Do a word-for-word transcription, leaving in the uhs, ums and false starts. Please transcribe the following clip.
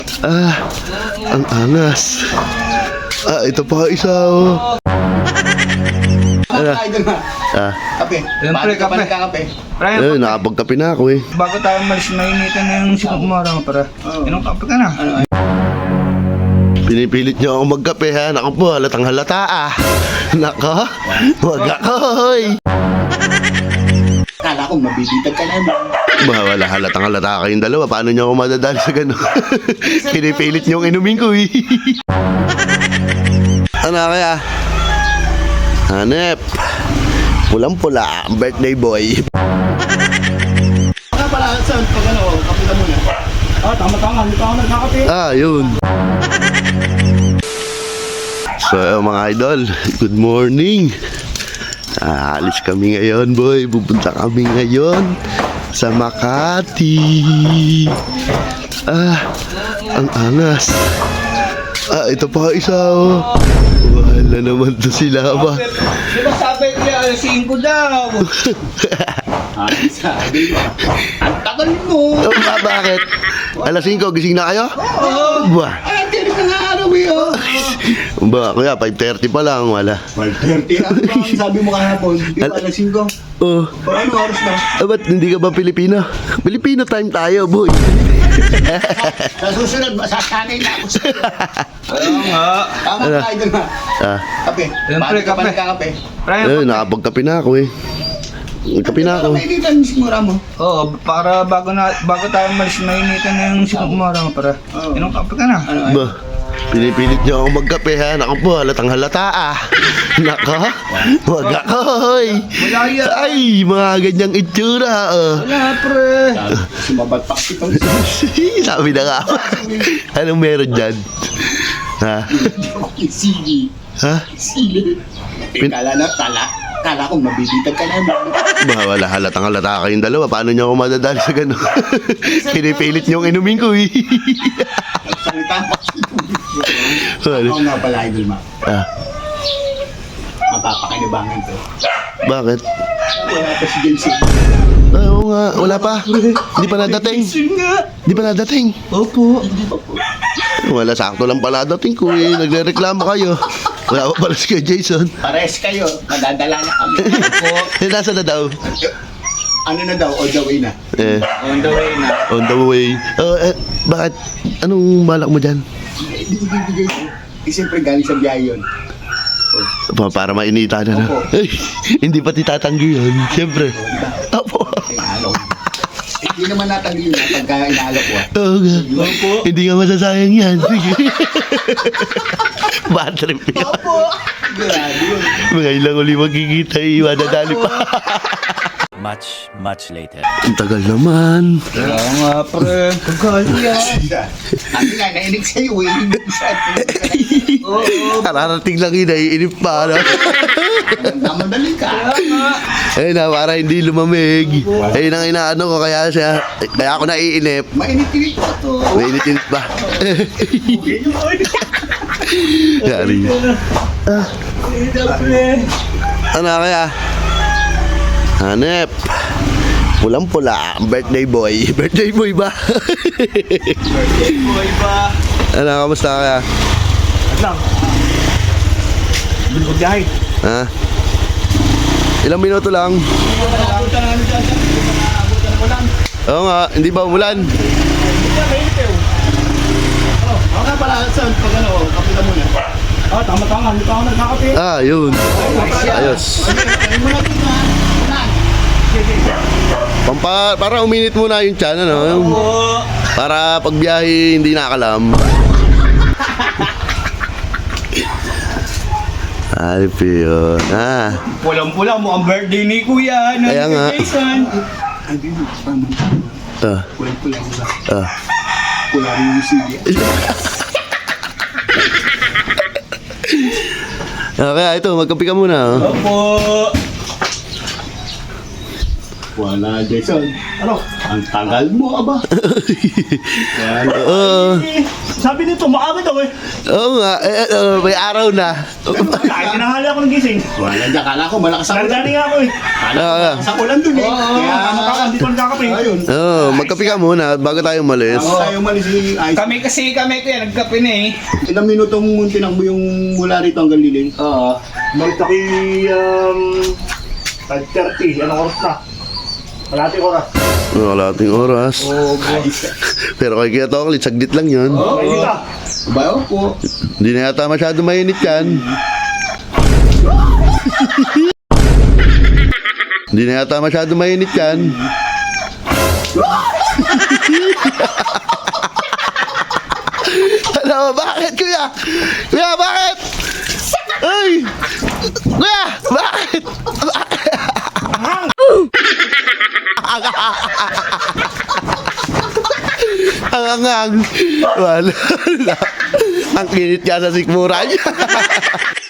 Ah, ang angas. Ah, ito pa isa oh. Ano? Idol ma. Ah, Kape. Yan, pre, Bakit ka pa kape. nagkakape? Pre, eh, nakapagkape na ako eh. bago tayo malis na initan na yung sikap mo araw para. Oo. Inong kape ka na. Ano? Pinipilit niyo ako magkape ha. Naku po, halatang halata ah. Nako, wag ako hoy. Kala ko mabibitag ka naman. Ba, wala halatang halata kayong dalawa. Paano niyo ako madadali sa gano'n? Pinipilit niyo ang inumin ko eh. Ano kaya? Hanep. Pulang-pula, ang birthday boy. Baka pala saan pag ano, kape ka muna. Ah, tama-tama. Hindi pa ako nagkakape. Ah, yun. So, eh, mga idol, good morning. Aalis kami ngayon, boy. Pupunta kami ngayon sa Makati. Ah, ang angas. Ah, ito pa isa, oh. Wala naman to sila ba? Di ba sabi niya, alas singko daw? Ah, sabi mo. Ang tagal mo. Oh, ba, bakit? Alas singko, gising na kayo? Oo. Ba, Ay, tiri ka nga araw eh. oh. ba, kuya, five thirty pa lang, wala. five thirty. Ano ba ang sabi mo kahapon? Di ba alas singko? Oh, O ano oras na? ah, ba't hindi ka ba Pilipino? Filipino time tayo, boy. Sa susunod, masasanay na ako sa... Oo nga. Tama Ano? ka, idol ma. Ah, Kape. Yan, pre, Bakit ka pa kape. nagkakape? Pre, eh, nakapagkape na ako eh. Nagkape na ako. Ano mainitan yung simura mo? Oo, para bago na bago tayo malis na initan na yung sikap mo araw para. Oo. Inong kape ka na. Ano? Ba, pinipilit niyo ako magkape ha. Naku po, halatang halata ah. Nako, wag ako hoy. Malaya. Ay, mga ganyang itsura oh. Wala, pre. Sumabat pa itong Sabi na nga. Anong meron dyan? Ha? sili. Ha? Sili. Eh, Pin- kala na, kala. Kala ko mabibitag ka naman. Ba, wala halatang halata kayong dalawa. Paano niyo ako madadali sa gano'n? Pinipilit niyo ang inumin ko eh. Salita pa. Ano? Ako nga pala, idol ma. Ah, Mapapakinabangan to. bakit? Wala pa si Jensen. Ah, oo nga, wala pa. Hindi pa nadating. nga. Hindi pa nadating. Opo. Hindi pa po. Wala, sakto lang pala dating ko eh. Nagre-reklamo kayo. Wala pa pala si Kuya Jason. Pares kayo. Madadala na kami. Opo. Eh, nasa na daw? Ano na daw? On the way na. Eh, On the way na. on the way. Oh, eh, bakit? Anong balak mo dyan? Hindi ko bibigay ko. Eh, siyempre galing sa biyahe yun. Pa- Para mainita na na. Opo. Ay, hindi pa titatanggi yun. Siyempre. Opo. Eh, halo. Eh, Hindi naman natanggal yun ah, pagka inaalok ko. ah. Oo nga. Opo. Hindi nga masasayang yan. Sige. Bad trip yun. Opo! Grabe yun. Mga ilang uli magkikita eh. Madadali pa. Much, much later. Ang tagal naman. Wala nga, pre. Sabi nga, nainig sa'yo eh. Hindi sa atin. Oo. Kararating lang yun. Naiinip pa. Ano? Namadali ka. Ayun na, para hindi lumamig. Ayun ang inaano ko. Kaya siya, kaya ako naiinip. Mainit-init ko to. Mainit-init pa. Yari. Ah, ano kaya? Hanep. Pulang-pula, ang birthday boy. Birthday boy ba? Boy ba? Ano, kamusta kaya? At lang. Bilog biyahe. Ha? Ilang minuto lang? Abutan na ano dyan. Abutan mo lang. Oo nga, hindi ba umulan? Hindi ka, mainit eh. Ako nga pala, saan pag ano, kape ka muna. Ah, tama-tama. Hindi pa ako nagkakape. Ah, yun. Ayos. Ay mo na dito ha. Pampa, para uminit muna yung tiyan, ano? Yung- Oo. Para pag biyahe, hindi nakalam. Ay, yun. Ah, Pulang-pula mo ang birthday ni Kuya. Ano, Kaya nga. Jason. Ang dito, paman. ah, Kulang-pula ko ba? ah. Pula rin yung sili. Ah, kaya ito, magkape ka muna. Oh. Opo. Wala, Jason. Ano? Ang tagal mo, aba. Oo. Sa Sabi nito, maaga daw eh. Oo nga, eh, eh, may araw na. Kahit tinahali ako ng gising. Wala dyan, kala ko malakas ang ulan. Nagdani nga ako eh. Kala ko Ah, malakas ang ulan dun eh. Kaya Baka hindi pa nagkakape. ayun. Oo, magkape ka muna bago tayo umalis. Ako tayo umalis si Ice. Kami kasi kami kuya, nagkape na eh. Ilang minutong tinakbo yung mula rito hanggang Liling? Oo. Magtaki, um, five thirty. Anong oras na? Kalating oras. Wala ating oras. Pero kay Kuya Toklit, saglit lang yun. Ay, dito. Bayo po. Hindi na yata masyado mainit yan. Hindi na yata masyado mainit yan. Ano, bakit kuya? Kuya, bakit? Ay! Kuya, bakit? Ang angang. Wala. Ang kinit niya sa sikmura niya.